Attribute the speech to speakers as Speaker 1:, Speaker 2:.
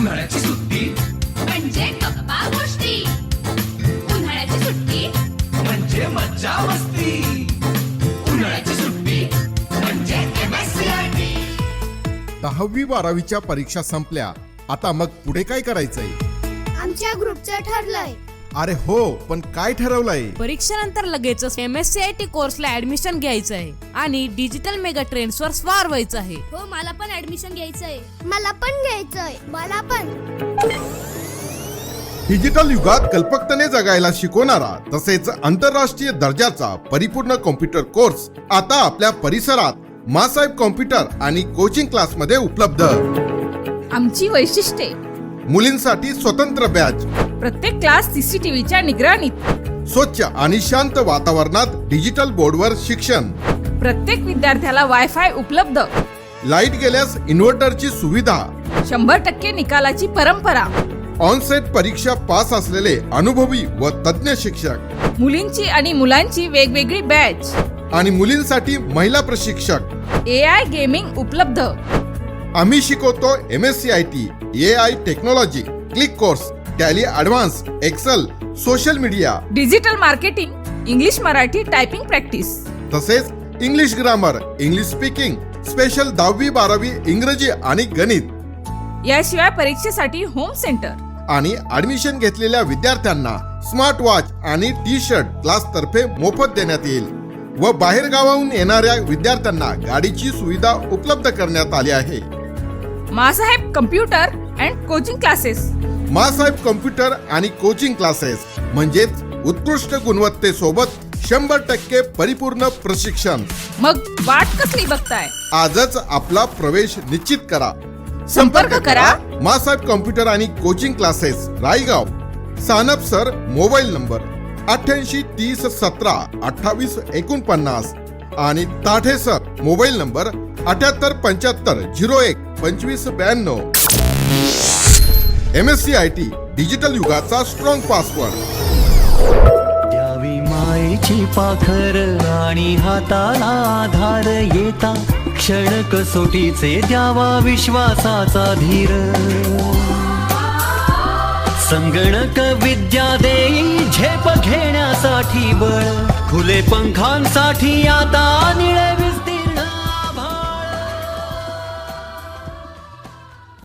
Speaker 1: उन्हाळ्याची सुट्टी
Speaker 2: म्हणजे गप्पा गोष्टी, उन्हाळ्याची सुट्टी
Speaker 1: म्हणजे मज्जा मस्ती, उन्हाळ्याची सुट्टी म्हणजे MSCIT.
Speaker 3: 10वी 12वीच्या परीक्षा संपल्या, आता मग पुढे काय करायचंय?
Speaker 4: आमच्या ग्रुपचं ठरलंय.
Speaker 3: अरे हो, पण काय ठरवलंय?
Speaker 5: परीक्षेनंतर लगेचच MSCIT कोर्सला ऍडमिशन घ्यायचं आहे आणि डिजिटल मेगा ट्रेंड्स वर स्वार व्हायचं आहे.
Speaker 4: हो, मला पण ऍडमिशन घ्यायचंय. मला पण घ्यायचंय. मला पण.
Speaker 3: डिजिटल युगात कल्पकतेने जगायला शिकवणारा तसेच आंतरराष्ट्रीय दर्जाचा परिपूर्ण कॉम्प्युटर कोर्स आता आपल्या परिसरात मासाहेब कॉम्प्युटर आणि कोचिंग क्लास मध्ये उपलब्ध.
Speaker 6: आमची वैशिष्ट्ये:
Speaker 3: मुलींसाठी स्वतंत्र बॅच,
Speaker 6: प्रत्येक क्लास CCTVच्या निगराणीत,
Speaker 3: स्वच्छ आणि शांत वातावरणात डिजिटल बोर्डवर शिक्षण,
Speaker 6: प्रत्येक विद्यार्थ्याला वायफाय उपलब्ध,
Speaker 3: लाईट गेल्यास इन्व्हर्टरची सुविधा,
Speaker 6: 100% निकालाची परंपरा,
Speaker 3: ऑनसेट परीक्षा पास असलेले अनुभवी व तज्ञ शिक्षक
Speaker 6: मुलींची आणि मुलांची वेगवेगळी बॅच,
Speaker 3: आणि मुलींसाठी महिला प्रशिक्षक.
Speaker 6: AI गेमिंग उपलब्ध.
Speaker 3: आम्ही शिकवतो MSCIT, AI technology, click course, Tally advance, excel, social media,
Speaker 6: digital marketing, English Marathi typing practice,
Speaker 3: तसेच English grammar, English speaking, special 10वी 12वी इंग्रजी आणि गणित.
Speaker 6: याशिवाय परीक्षेसाठी होम सेंटर.
Speaker 3: आणि ऍडमिशन घेतलेल्या विद्यार्थ्यांना स्मार्ट वॉच आणि टी-शर्ट क्लास तर्फे मोफत देण्यात येईल व बाहेर गावाहून येणाऱ्या विद्यार्थ्यांना गाडीची सुविधा उपलब्ध करण्यात आली आहे.
Speaker 6: Masaheb computer and coaching classes.
Speaker 3: Masaheb computer आणि कोचिंग क्लासेस म्हणजेच उत्कृष्ट गुणवत्तेसोबत 100% परिपूर्ण प्रशिक्षण.
Speaker 6: मग वाट कसली बघताय?
Speaker 3: आजच आपला प्रवेश निश्चित करा.
Speaker 6: संपर्क करा.
Speaker 3: मासाहेब कॉम्प्युटर आणि coaching classes, Raigaon. Sanap sir, mobile number 88 30 17 28 49 आणि Thate sir, mobile number 78 75 01 25 92. MSCIT digital युगाचा स्ट्रॉंग पासवर्ड.
Speaker 7: द्यावी मायेची पाखर आणि हाताला आधार, येता क्षण कसोटीचे द्यावा विश्वासाचा धीर. संगणक विद्या देई झेप घेण्यासाठी बळ, खुले पंखांसाठी आता निळवी